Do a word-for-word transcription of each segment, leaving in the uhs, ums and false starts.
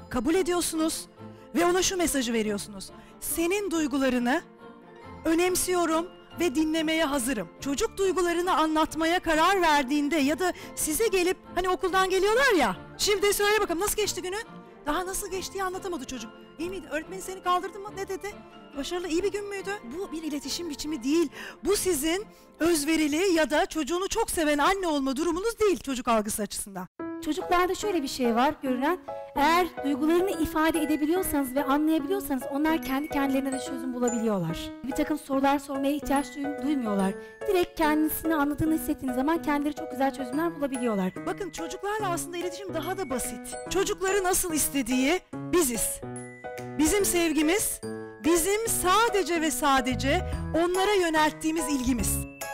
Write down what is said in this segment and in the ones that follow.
kabul ediyorsunuz ve ona şu mesajı veriyorsunuz. Senin duygularını önemsiyorum ve dinlemeye hazırım. Çocuk duygularını anlatmaya karar verdiğinde ya da size gelip hani okuldan geliyorlar ya. Şimdi söyle bakalım nasıl geçti günün? Daha nasıl geçtiği anlatamadı çocuk. İyi miydi? Öğretmeni seni kaldırdı mı? Ne dedi? Başarılı, iyi bir gün müydü? Bu bir iletişim biçimi değil. Bu sizin özverili ya da çocuğunu çok seven anne olma durumunuz değil çocuk algısı açısından. Çocuklarda şöyle bir şey var görülen, eğer duygularını ifade edebiliyorsanız ve anlayabiliyorsanız onlar kendi kendilerine de çözüm bulabiliyorlar. Bir takım sorular sormaya ihtiyaç duy- duymuyorlar. Direkt kendisini anladığını hissettiğiniz zaman kendileri çok güzel çözümler bulabiliyorlar. Bakın çocuklarla aslında iletişim daha da basit. Çocukları nasıl istediği biziz. Bizim sevgimiz, bizim sadece ve sadece onlara yönelttiğimiz ilgimiz.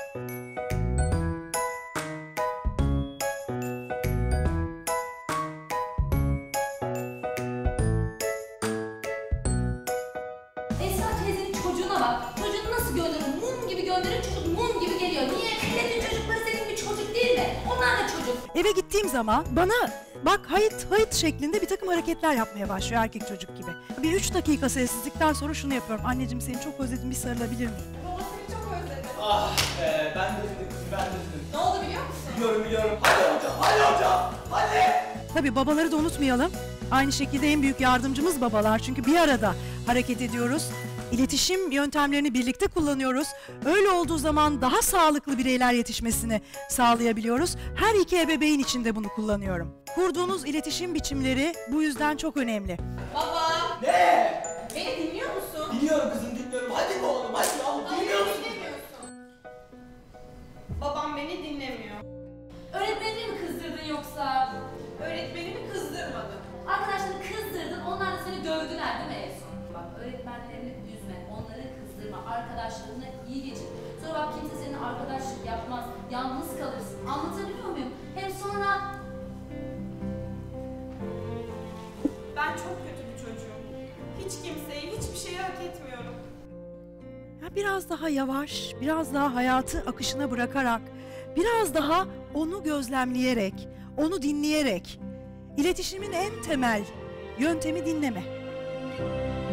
Esra teyzenin çocuğuna bak. Çocuğunu nasıl gönderir? Mum gibi gönderir, çocuk mum gibi geliyor. Niye? Milletin çocukları senin bir çocuk değil mi? Onlar da çocuk. Eve gittiğim zaman bana bak hayt hayt şeklinde bir takım hareketler yapmaya başlıyor erkek çocuk gibi. Bir üç dakika sessizlikten sonra şunu yapıyorum. Anneciğim seni çok özledim, bir sarılabilir miyim? Baba seni çok özledim. Ah be, ben de üzüldüm, ben de üzüldüm. Ne oldu biliyor musun? Biliyorum biliyorum. Hadi hocam, hadi hocam, hadi. Tabii babaları da unutmayalım. Aynı şekilde en büyük yardımcımız babalar. Çünkü bir arada hareket ediyoruz. İletişim yöntemlerini birlikte kullanıyoruz. Öyle olduğu zaman daha sağlıklı bireyler yetişmesini sağlayabiliyoruz. Her iki ebeveyn için de bunu kullanıyorum. Kurduğunuz iletişim biçimleri bu yüzden çok önemli. Baba! Ne? Beni dinliyor musun? Dinliyorum kızım, dinliyorum. Hadi be oğlum, hadi ya. Hayır, Dinliyor musun? dinlemiyorsun. Babam beni dinlemiyor. Öğretmenini mi kızdırdın yoksa? Öğretmenimi kızdırmadım. Arkadaşlarını kızdırdın, onlar da seni dövdüler değil mi en son? Bak öğretmenlerini üzme, onları kızdırma, arkadaşlarına iyi geçin. Sonra bak kimse senin arkadaşlık yapmaz, yalnız kalırsın. Anlatabiliyor muyum? Hem sonra... Ben çok kötü bir çocuğum. Hiç kimseyi, hiçbir şeyi hak etmiyorum. Ya biraz daha yavaş, biraz daha hayatı akışına bırakarak, biraz daha onu gözlemleyerek, onu dinleyerek, iletişimin en temel yöntemi dinleme.